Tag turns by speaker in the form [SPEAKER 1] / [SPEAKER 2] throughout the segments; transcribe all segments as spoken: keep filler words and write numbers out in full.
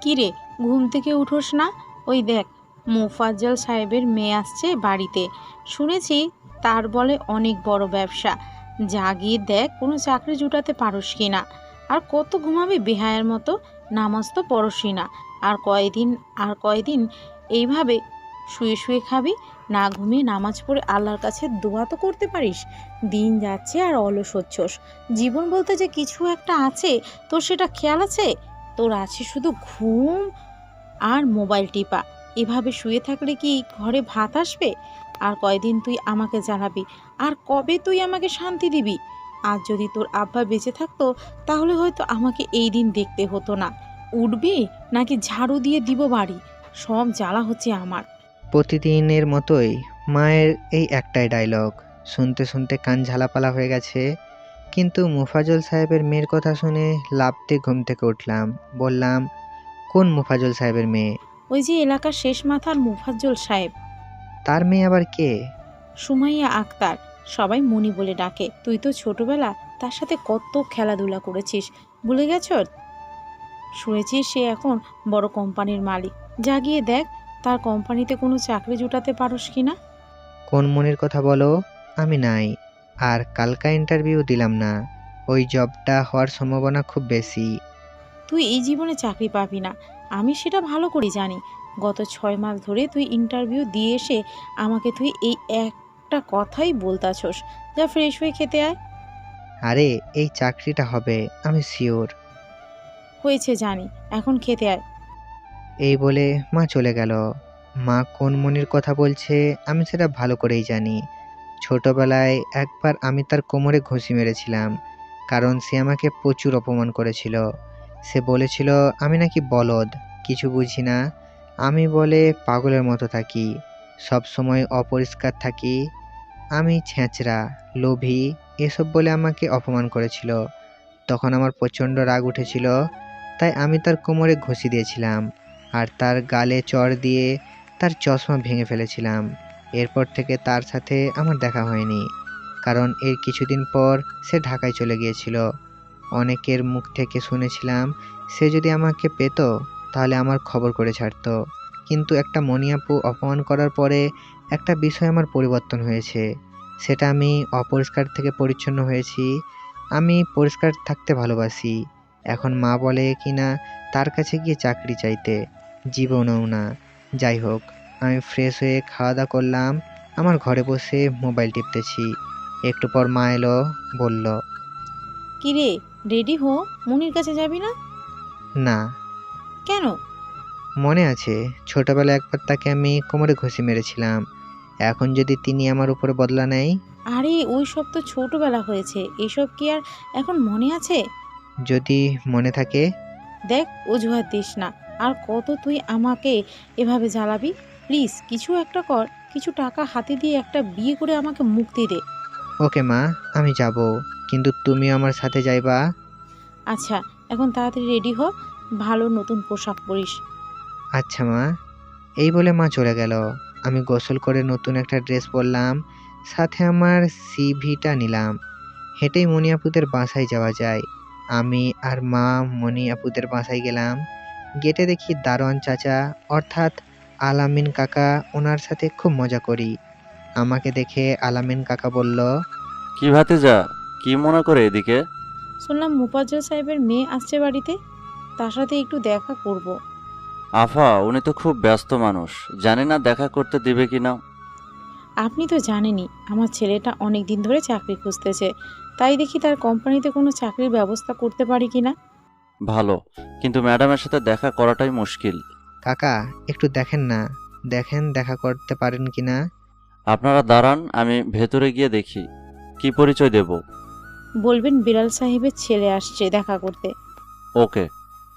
[SPEAKER 1] কিরে, ঘুম থেকে উঠোস না? ওই দেখ, মোফাজ্জল সাহেবের মেয়ে আসছে বাড়িতে। শুনেছি তার বলে অনেক বড় ব্যবসা। যা গিয়ে দেখ কোনো চাকরি জুটাতে পারোস কি না। আর কত ঘুমাবি বেহায়ার মতো? নামাজ তো পড়সই না। আর কয়দিন আর কয়দিন এইভাবে শুয়ে শুয়ে খাবি? না ঘুমিয়ে নামাজ পড়ে আল্লাহর কাছে দোয়া তো করতে পারিস। দিন যাচ্ছে আর অলস হচ্ছস। জীবন বলতে যে কিছু একটা আছে, তোর সেটা খেয়াল আছে? তোর আছে শুধু ঘুম আর মোবাইল টিপা। এভাবে শুয়ে থাকলে কি ঘরে ভাত আসবে? আর কয়দিন তুই আমাকে জ্বালাবি? আর কবে তুই আমাকে শান্তি দিবি? আজ যদি তোর আব্বা বেঁচে থাকতো তাহলে হয়তো আমাকে এই দিন দেখতে হতো না। উঠবি নাকি ঝাড়ু দিয়ে দিব বাড়ি? সব জ্বালা হচ্ছে আমার।
[SPEAKER 2] প্রতিদিনের মতোই মায়ের এই একটাই ডায়লগ শুনতে শুনতে কান ঝালাপালা হয়ে গেছে। কিন্তু মুফাজ্জল সাহেবের মেয়ের কথা শুনে লাফ দিয়ে ঘুম থেকে উঠলাম। বললাম, কোন মুফাজ্জল সাহেবের মেয়ে?
[SPEAKER 1] ওই যে এলাকার শেষ মাথার মুফাজ্জল সাহেব।
[SPEAKER 2] তার মেয়ে আবার কে?
[SPEAKER 1] সুমাইয়া আক্তার, সবাই মনি বলে ডাকে। তুই তো ছোটবেলা তার সাথে কত খেলাধুলা করেছিস, ভুলে গেছ? শুনেছি সে এখন বড় কোম্পানির মালিক। যা গিয়ে দেখ তার কোম্পানিতে কোনো চাকরি জুটাতে পারোস কি না।
[SPEAKER 2] কোন মনির কথা বলো? আমি নাই। আর কালকা ইন্টারভিউ দিলাম না। ওই জবটা হওয়ার সম্ভাবনা খুব বেশি।
[SPEAKER 1] তুই এই জীবনে চাকরি পাবি না, আমি সেটা ভালো করে জানি। গত ছয় মাস ধরে তুই ইন্টারভিউ দিয়ে এসে আমাকে তুই এই একটা কথাই বলতাছস। যা ফ্রেশ হয়ে খেতে আয়।
[SPEAKER 2] আরে, এই চাকরিটা হবে, আমি শিওর।
[SPEAKER 1] হয়েছে জানি, এখন খেতে আয়।
[SPEAKER 2] এই বলে মা চলে গেল। মা কোন মনির কথা বলছে আমি সেটা ভালো করেই জানি। ছোটবেলায় একবার আমি তার কোমরে ঘুষি মেরেছিলাম, কারণ সে আমাকে প্রচুর অপমান করেছিল। সে বলেছিল আমি নাকি বলদ, কিছু বুঝি না। আমি বলে পাগলের মতো থাকি, সব সময় অপরিষ্কার থাকি, আমি ছেঁচড়া, লোভী, এসব বলে আমাকে অপমান করেছিল। তখন আমার প্রচণ্ড রাগ উঠেছিল, তাই আমি তার কোমরে ঘুষি দিয়েছিলাম আর তার গালে চড় দিয়ে তার চশমা ভেঙে ফেলেছিলাম। এরপর থেকে তার সাথে আমার দেখা হয়নি, কারণ এর কিছুদিন পর সে ঢাকায় চলে গিয়েছিল। অনেকের মুখ থেকে শুনেছিলাম সে যদি আমাকে পেত তাহলে আমার খবর করে ছাড়তো। কিন্তু একটা মণিয়াপু অপমান করার পরে একটা বিষয় আমার পরিবর্তন হয়েছে। সেটা আমি অপরিষ্কার থেকে পরিচ্ছন্ন হয়েছি। আমি পরিষ্কার থাকতে ভালোবাসি। এখন মা বলে কিনা তার কাছে গিয়ে চাকরি চাইতে, জীবনেও না। যাই হোক, আমি ফ্রেশ হয়ে খাওয়া দাওয়া করলাম, আমার ঘরে বসে মোবাইল টিপতেছি। একটু পর মা এলো, বলল,
[SPEAKER 1] কিরে, রেডি হো, মনির কাছে যাবি না?
[SPEAKER 2] না।
[SPEAKER 1] কেন?
[SPEAKER 2] মনে আছে ছোটবেলায় একবার তাকে আমি কোমরে ঘুষি মেরেছিলাম, এখন যদি তিনি আমার উপরে বদলা নেয়?
[SPEAKER 1] আরে ওই সব তো ছোটবেলা হয়েছে, এসব কি আর এখন মনে আছে?
[SPEAKER 2] যদি মনে থাকে?
[SPEAKER 1] দেখ, অজুহাত দিস না। আর কত তুই আমাকে এভাবে জ্বালাবি? প্লিজ কিছু একটা কর। কিছু টাকা হাতে দিয়ে একটা বিয়ে করে আমাকে মুক্তি দে।
[SPEAKER 2] ওকে মা, আমি যাব, কিন্তু তুমিও আমার সাথে যাইবা?
[SPEAKER 1] আচ্ছা, এখন তাড়াতাড়ি রেডি হ, ভালো নতুন পোশাক পরিস।
[SPEAKER 2] আচ্ছা মা। এই বলে মা চলে গেল। আমি গোসল করে নতুন একটা ড্রেস পরলাম, সাথে আমার সিভিটা নিলাম। হেঁটেই মণি আপুদের বাসায় যাওয়া যায়। আমি আর মা মণি আপুদের বাসায় গেলাম। গেটে দেখি দারোয়ান চাচা, অর্থাৎ আলামিন কাকা, ওনার সাথে খুব মজা করি। আমাকে দেখে আলামিন কাকা বলল,
[SPEAKER 3] কি ভাতিজা, কি মনে করে এদিকে?
[SPEAKER 1] শুনলাম মুফাজ্জল সাহেবের মেয়ে আসছে বাড়িতে, তার সাথে একটু দেখা করব।
[SPEAKER 3] আফা, উনি তো খুব ব্যস্ত মানুষ, জানি না দেখা করতে দিবে কিনা।
[SPEAKER 1] আপনি তো জানেনই আমার ছেলেটা অনেক দিন ধরে চাকরি খুঁজতেছে, তাই দেখি তার কোম্পানিতে কোনো চাকরির ব্যবস্থা করতে পারি কিনা।
[SPEAKER 3] ভালো, কিন্তু ম্যাডামের সাথে দেখা করাটাই মুশকিল।
[SPEAKER 2] কাকা একটু দেখেন না, দেখেন দেখা করতে পারেন কিনা।
[SPEAKER 3] আপনারা দাঁড়ান, আমি ভেতরে গিয়ে দেখি। কি পরিচয় দেব?
[SPEAKER 1] বলবেন বিড়াল সাহেবের ছেলে আসছে দেখা করতে।
[SPEAKER 3] ওকে।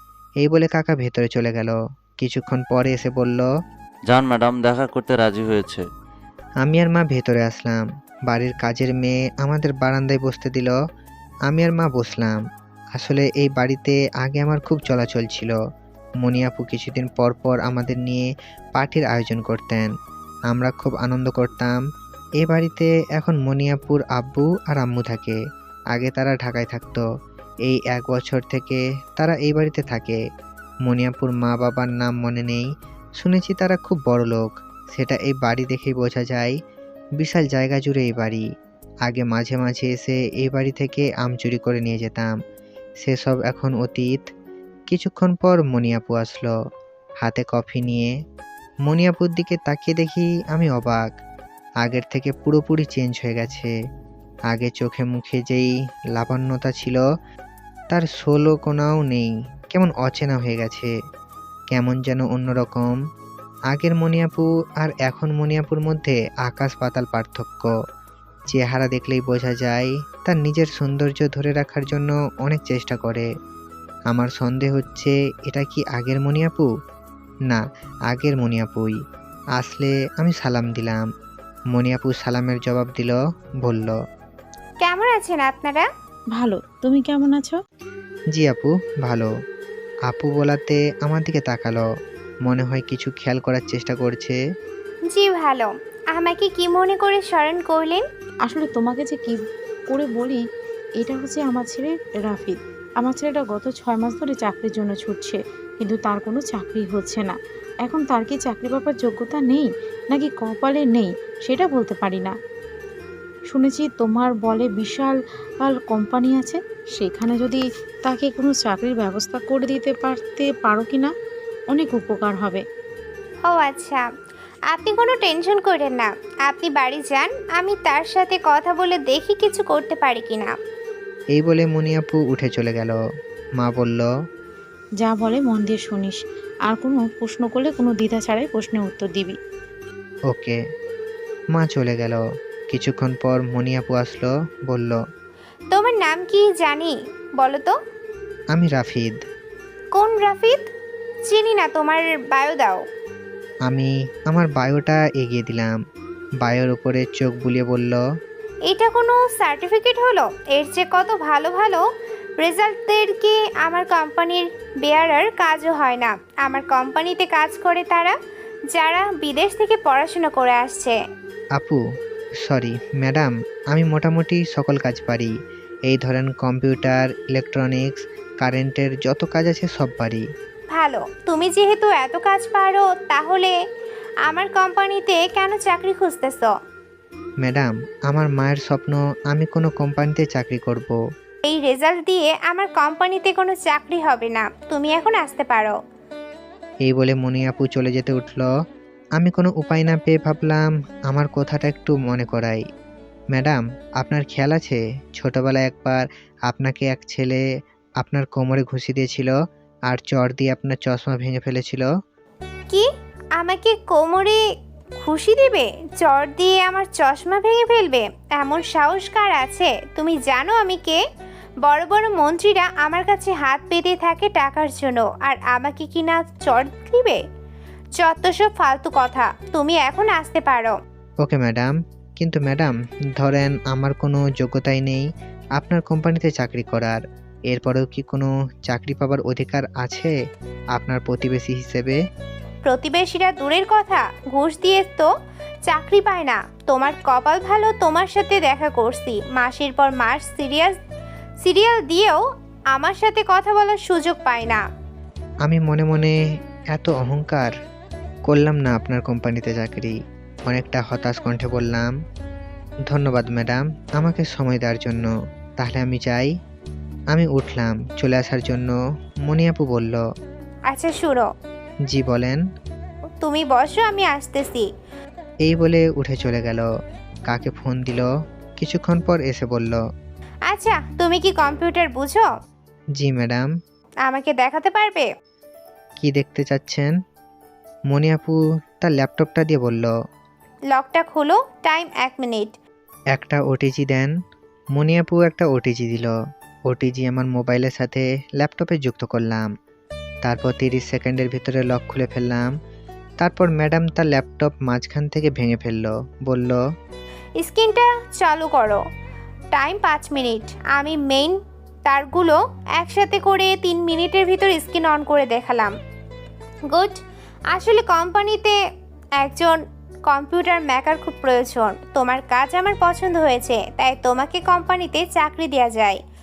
[SPEAKER 2] এই বলে কাকা ভেতরে চলে গেল। কিছুক্ষণ পরে এসে বলল,
[SPEAKER 3] যান ম্যাডাম দেখা করতে রাজি হয়েছে।
[SPEAKER 2] আমি আর মা ভেতরে আসলাম। বাড়ির কাজের মেয়ে আমাদের বারান্দায় বসতে দিল। আমি আর মা বসলাম। আসলে এই বাড়িতে আগে আমার খুব চলাচল ছিল। মণি আপু কিছুদিন পর পর আমাদের নিয়ে পার্টির আয়োজন করতেন, আমরা খুব আনন্দ করতাম। এ বাড়িতে এখন মণি আপুর আব্বু আর আম্মু থাকে। আগে তারা ঢাকায় থাকতো। এই এক বছর থেকে তারা এই বাড়িতে থাকে। মনিয়াপুর মা বাবার নাম মনে নেই, শুনেছি তারা খুব বড় লোক, সেটা এই বাড়ি দেখেই বোঝা যায়। বিশাল জায়গা জুড়ে এই বাড়ি। আগে মাঝে মাঝে এসে এই বাড়ি থেকে আম চুরি করে নিয়ে যেতাম, সেসব এখন অতীত। কিছুক্ষণ পর মনিয়াপু আসলো, হাতে কফি নিয়ে। মনিয়াপুর দিকে তাকিয়ে দেখি আমি অবাক, আগের থেকে পুরোপুরি চেঞ্জ হয়ে গেছে। আগে চোখে মুখে যেই লাবণ্যতা ছিল তার ষোলো কোনাও নেই, কেমন অচেনা হয়ে গেছে, কেমন যেন অন্যরকম। আগের মনিয়াপু আর এখন মনিয়াপুর মধ্যে আকাশ পাতাল পার্থক্য। চেহারা দেখলেই বোঝা যায় তার নিজের সৌন্দর্য ধরে রাখার জন্য অনেক চেষ্টা করে। আমার সন্দেহ হচ্ছে এটা কি আগের মনিয়াপু? না, আগের মনিয়াপুই। আসলে আমি সালাম দিলাম। মনিয়াপু সালামের জবাব দিল, বলল,
[SPEAKER 4] কেমন আছেন আপনারা?
[SPEAKER 1] ভালো, তুমি কেমন আছো?
[SPEAKER 2] জি আপু, ভালো। আপু বলাতে আমার দিকে তাকালো, মনে হয় কিছু খেয়াল করার চেষ্টা করছে।
[SPEAKER 4] জি ভালো। আমাকে কি মনে করে স্মরণ করলেন?
[SPEAKER 1] আসলে তোমাকে যে কি করে বলি, এটা হচ্ছে আমার ছেলে রাফিদ। আমার ছেলেটা গত ছয় মাস ধরে চাকরির জন্য ছুটছে, কিন্তু তার কোনো চাকরি হচ্ছে না। এখন তার কি চাকরি পাবার যোগ্যতা নেই নাকি কপালে নেই সেটা বলতে পারি না। শুনেছি তোমার বলে বিশাল আল কোম্পানি আছে, সেখানে যদি তাকে কোনো চাকরির ব্যবস্থা করে দিতে পারতে পারো কি না, অনেক উপকার হবে।
[SPEAKER 4] ও আচ্ছা, আপনি কোনো টেনশন করেন না। আপনি বাড়ি যান, আমি তার সাথে কথা বলে দেখি কিছু করতে পারি কিনা।
[SPEAKER 2] এই বলে মনিয়াপু উঠে চলে গেল। মা বলল,
[SPEAKER 1] যা বলে মন দিয়ে শুনিস, আর কোনো প্রশ্ন করলে কোনো দ্বিধা ছাড়াই প্রশ্নের উত্তর দিবি।
[SPEAKER 2] ওকে। মা চলে গেল। কিছুক্ষণ পর মনিয়াপু আসলো, বলল,
[SPEAKER 4] তোমার নাম কি জানি বলো তো?
[SPEAKER 2] আমি রাফিদ।
[SPEAKER 4] কোন রাফিদ? চিনি না, তোমার বায়ো দাও।
[SPEAKER 2] আমি আমার বায়োটা এগিয়ে দিলাম। বায়োর উপরে চোখ বুলিয়ে বলল,
[SPEAKER 4] এটা কোনো সার্টিফিকেট হলো? এর চেয়ে কত ভালো ভালো রেজাল্টদের কি আমার কোম্পানির বেয়ারার কাজও হয় না। আমার কোম্পানিতে কাজ করে তারা যারা বিদেশ থেকে পড়াশোনা করে আসছে।
[SPEAKER 2] আপু সরি ম্যাডাম, আমি মোটামুটি সকল কাজ পারি। এই ধরেন কম্পিউটার, ইলেকট্রনিক্স, কারেন্টের যত কাজ আছে সব পারি।
[SPEAKER 4] ভালো, তুমি যেহেতু এত কাজ পারো তাহলে আমার কোম্পানিতে কেন চাকরি খুঁজতেছ?
[SPEAKER 2] ম্যাডাম, আমার মায়ের স্বপ্ন আমি কোনো কোম্পানিতে চাকরি করব।
[SPEAKER 4] এই রেজাল্ট দিয়ে আমার কোম্পানিতে কোনো চাকরি হবে না, তুমি এখন আসতে পারো।
[SPEAKER 2] এই বলে মনিয়াপু চলে যেতে উঠল। আমি কোনো উপায় না পেয়ে ভাবলাম আমার কথাটা একটু মনে করাই। ম্যাডাম, আপনার খেয়াল আছে ছোটবেলায় একবার আপনাকে এক ছেলে আপনার কোমরে ঘুষি দিয়েছিল আর চড় দিয়ে আপনার চশমা ভেঙে ফেলেছিল?
[SPEAKER 4] কি? আমাকে কোমরে খুশি দিবে? চড় দিয়ে আমার চশমা ভেঙে ফেলবে? এমন সাহস কার আছে? তুমি জানো আমি কে? বড় বড় মন্ত্রীরা আমার কাছে হাত পেতে থাকে টাকার জন্য, আর আমাকে কি না চড় দিবে? যত সব ফালতু কথা, তুমি এখন আসতে পারো।
[SPEAKER 2] Okay madam. কিন্তু ম্যাডাম, ধরেন আমার কোনো যোগ্যতাই নেই আপনার কোম্পানিতে চাকরি করার, এরপরেও কি কোনো চাকরি পাবার অধিকার আছে আপনার প্রতিবেশী হিসেবে?
[SPEAKER 4] প্রতিবেশীরা দূরের কথা, ঘুষ দিয়ে তো চাকরি পায় না। তোমার কপাল ভালো, তোমার সাথে দেখা করছি। মাসের পর মাস সিরিয়াস সিরিয়াল দিয়েও আমার সাথে কথা বলার সুযোগ পায় না।
[SPEAKER 2] আমি মনে মনে এত অহংকার করলাম না আপনার কোম্পানিতে চাকরি। অনেকটা হতাশ কণ্ঠে বললাম, ধন্যবাদ ম্যাডাম আমাকে সময় দেওয়ার জন্য। তাহলে আমি যাই। আমি উঠলাম চলে আসার জন্য। মনিয়াপু বলল,
[SPEAKER 4] আচ্ছা শুনো,
[SPEAKER 2] জি বলেন।
[SPEAKER 4] তুমি বসো, আমি আসতেছি।
[SPEAKER 2] এই বলে উঠে চলে গেল। কাকে ফোন দিল, কিছুক্ষণ পর এসে বলল,
[SPEAKER 4] আচ্ছা, তুমি কি কম্পিউটার বুঝো?
[SPEAKER 2] জি ম্যাডাম।
[SPEAKER 4] আমাকে দেখাতে পারবে?
[SPEAKER 2] কি দেখতে চাচ্ছেন? মনিয়াপু তার ল্যাপটপটা দিয়ে বলল,
[SPEAKER 4] লকটা খোলো, টাইম এক মিনিট।
[SPEAKER 2] একটা ওটিজি দেন। মনিয়াপু একটা ওটিজি দিল। ওটিজি আমার মোবাইলের সাথে ল্যাপটপে যুক্ত করলাম। তারপর তিরিশ সেকেন্ডের ভিতরে লক খুলে ফেললাম। তারপর ম্যাডাম তার ল্যাপটপ মাঝখান থেকে ভেঙে ফেললো, বলল,
[SPEAKER 4] স্ক্রিনটা চালু করো, টাইম পাঁচ মিনিট। আমি মেইন তারগুলো একসাথে করে তিন মিনিটের ভিতর স্ক্রিন অন করে দেখালাম। গুড। আসলে কোম্পানিতে একজন কম্পিউটার মেকার খুব প্রয়োজন। তোমার কাজ আমার পছন্দ হয়েছে, তাই তোমাকে কোম্পানিতে চাকরি দেওয়া যায়।